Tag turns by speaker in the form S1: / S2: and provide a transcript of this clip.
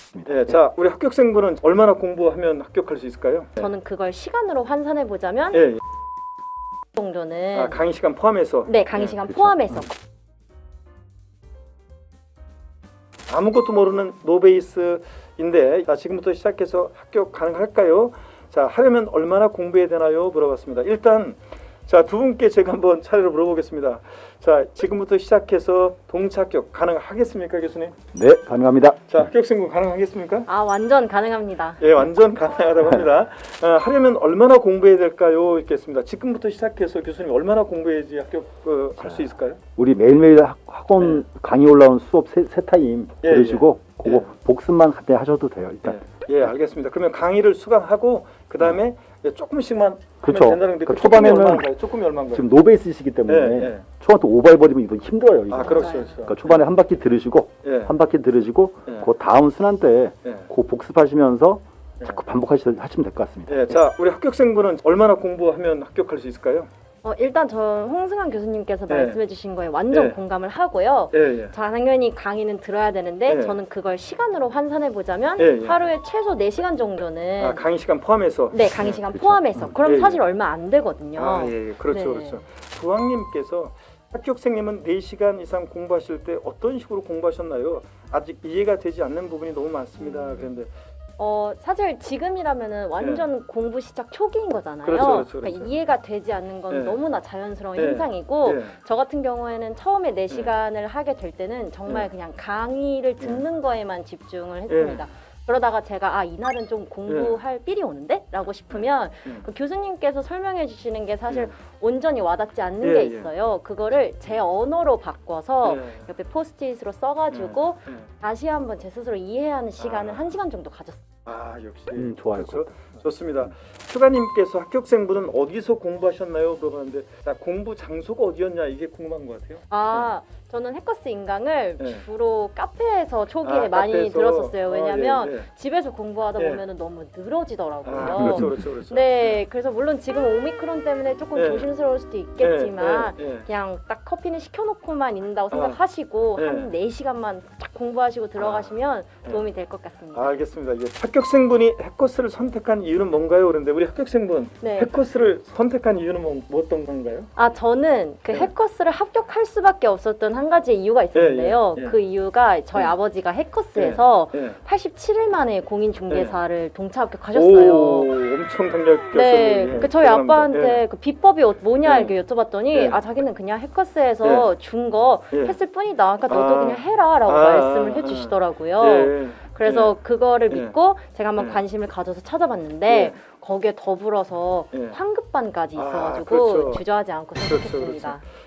S1: 있습니다.
S2: 네, 자, 우리 합격생분은 얼마나 공부하면 합격할 수 있을까요?
S3: 저는 그걸 시간으로 환산해 보자면
S2: 예, 예.
S3: 정도는
S2: 아, 강의 시간 포함해서.
S3: 네, 강의 시간
S1: 그렇죠.
S3: 포함해서
S2: 아무것도 모르는 노베이스인데 자, 지금부터 시작해서 합격 가능할까요? 자, 하려면 얼마나 공부해야 되나요? 물어봤습니다. 일단 자, 두 분께 제가 한번 차례로 물어보겠습니다. 자, 지금부터 시작해서 동차 합격 가능하겠습니까, 교수님?
S1: 네, 가능합니다.
S2: 자, 합격생분 가능하겠습니까?
S3: 아, 완전 가능합니다.
S2: 예, 완전 가능하다고 합니다. 하려면 얼마나 공부해야 될까요? 있겠습니다. 지금부터 시작해서 교수님 얼마나 공부해야지 합격할 수 있을까요?
S1: 우리 매일매일 학원 강의 올라오는 수업 세 타임
S2: 예,
S1: 들으시고
S2: 예.
S1: 그거 복습만 그때 하셔도 돼요. 일단.
S2: 예, 알겠습니다. 그러면 강의를 수강하고 그 다음에 조금씩만
S1: 그렇죠.
S2: 하면 된다는데
S1: 그러니까
S2: 초반에는 조금이 얼마인가요?
S1: 지금 노베이스시기 때문에
S2: 예, 예.
S1: 초반부터 오버해버리면 이거 힘들어요. 이거.
S2: 아, 그렇죠,
S3: 맞아요.
S2: 그렇죠.
S1: 그러니까 초반에 한 바퀴 들으시고
S2: 예.
S1: 한 바퀴 들으시고
S2: 예.
S1: 그 다음 순환 때
S2: 예.
S1: 그 복습하시면서
S2: 예.
S1: 자꾸 반복하시면 될 것 같습니다.
S2: 예, 자, 우리 합격생분은 얼마나 공부하면 합격할 수 있을까요?
S3: 일단 저 홍승환 교수님께서
S2: 네.
S3: 말씀해 주신 거에 완전
S2: 네.
S3: 공감을 하고요.
S2: 예, 예.
S3: 자, 당연히 강의는 들어야 되는데
S2: 네.
S3: 저는 그걸 시간으로 환산해 보자면
S2: 예, 예.
S3: 하루에 최소 4시간 정도는
S2: 아, 강의 시간 포함해서.
S3: 네, 강의 시간
S1: 그렇죠.
S3: 포함해서. 그럼
S2: 예, 예.
S3: 사실 얼마 안 되거든요.
S2: 아, 예, 예. 그렇죠,
S3: 네.
S2: 그렇죠. 부왕님께서 합격생님은 4시간 이상 공부하실 때 어떤 식으로 공부하셨나요? 아직 이해가 되지 않는 부분이 너무 많습니다. 그런데
S3: 사실 지금이라면은 완전 공부 시작 초기인 거잖아요.
S2: 네. 그렇죠, 그렇죠,
S3: 그러니까
S2: 그렇죠.
S3: 이해가 되지 않는 건
S2: 네.
S3: 너무나 자연스러운
S2: 네.
S3: 현상이고
S2: 예.
S3: 저 같은 경우에는 처음에 4시간을 하게 될 때는 정말
S2: 네.
S3: 그냥 강의를 듣는 거에만 집중을 했습니다. 그러다가 제가 이날은 좀 공부할 삘이 오는데? 라고 싶으면 그 교수님께서 설명해 주시는 게 사실 온전히 와닿지 않는
S2: 예,
S3: 게
S2: 예.
S3: 있어요. 그거를 제 언어로 바꿔서
S2: 예.
S3: 옆에 포스트잇으로 써가지고
S2: 예.
S3: 다시 한번 제 스스로 이해하는 시간을
S2: 아.
S3: 1시간 정도 가졌어요.
S2: 아, 역시
S1: 좋아요.
S2: 그렇죠. 좋습니다. 휴가님께서 합격생분은 어디서 공부하셨나요? 물어봤는데 자, 공부 장소가 어디였냐 이게 궁금한 것 같아요.
S3: 저는 해커스 인강을
S2: 네.
S3: 주로 카페에서 초기에
S2: 아,
S3: 많이
S2: 카페에서.
S3: 들었었어요. 왜냐면
S2: 예, 예.
S3: 집에서 공부하다
S2: 예.
S3: 보면은 너무 늘어지더라고요.
S2: 아, 그렇죠, 그렇죠, 그렇죠.
S3: 네, 그래서 물론 지금 오미크론 때문에 조금
S2: 예.
S3: 조심스러울 수도 있겠지만
S2: 예, 예.
S3: 그냥 딱 커피는 시켜놓고만 있는다고 생각하시고
S2: 예.
S3: 한 4시간만 딱 공부하시고 들어가시면
S2: 예.
S3: 도움이 될 것 같습니다.
S2: 알겠습니다. 이제 합격생분이 해커스를 선택한 이유는 뭔가요? 그런데 우리 합격생분
S3: 네.
S2: 해커스를 선택한 이유는 뭐 어떤 건가요?
S3: 저는 그
S2: 네.
S3: 해커스를 합격할 수밖에 없었던 한 가지 이유가 있었는데요.
S2: 예, 예, 예.
S3: 그 이유가 저희
S2: 예.
S3: 아버지가 해커스에서
S2: 예.
S3: 87일 만에 공인중개사를 동차 합격하셨어요.
S2: 오, 엄청 강력했어요.
S3: 네, 그 저희 아빠한테 그 비법이 뭐냐
S2: 예.
S3: 이렇게 여쭤봤더니
S2: 예.
S3: 자기는 그냥 해커스에서 준 거
S2: 예.
S3: 했을 뿐이다. 그러니까 너도
S2: 아.
S3: 그냥 해라라고 말씀을 해주시더라고요.
S2: 예.
S3: 그래서 그거를
S2: 예.
S3: 믿고 제가 한번
S2: 예.
S3: 관심을 가져서 찾아봤는데
S2: 예.
S3: 거기에 더불어서
S2: 예.
S3: 환급반까지
S2: 아,
S3: 있어가지고
S2: 그렇죠.
S3: 주저하지 않고
S2: 그렇죠,
S3: 선택했습니다.
S2: 그렇죠.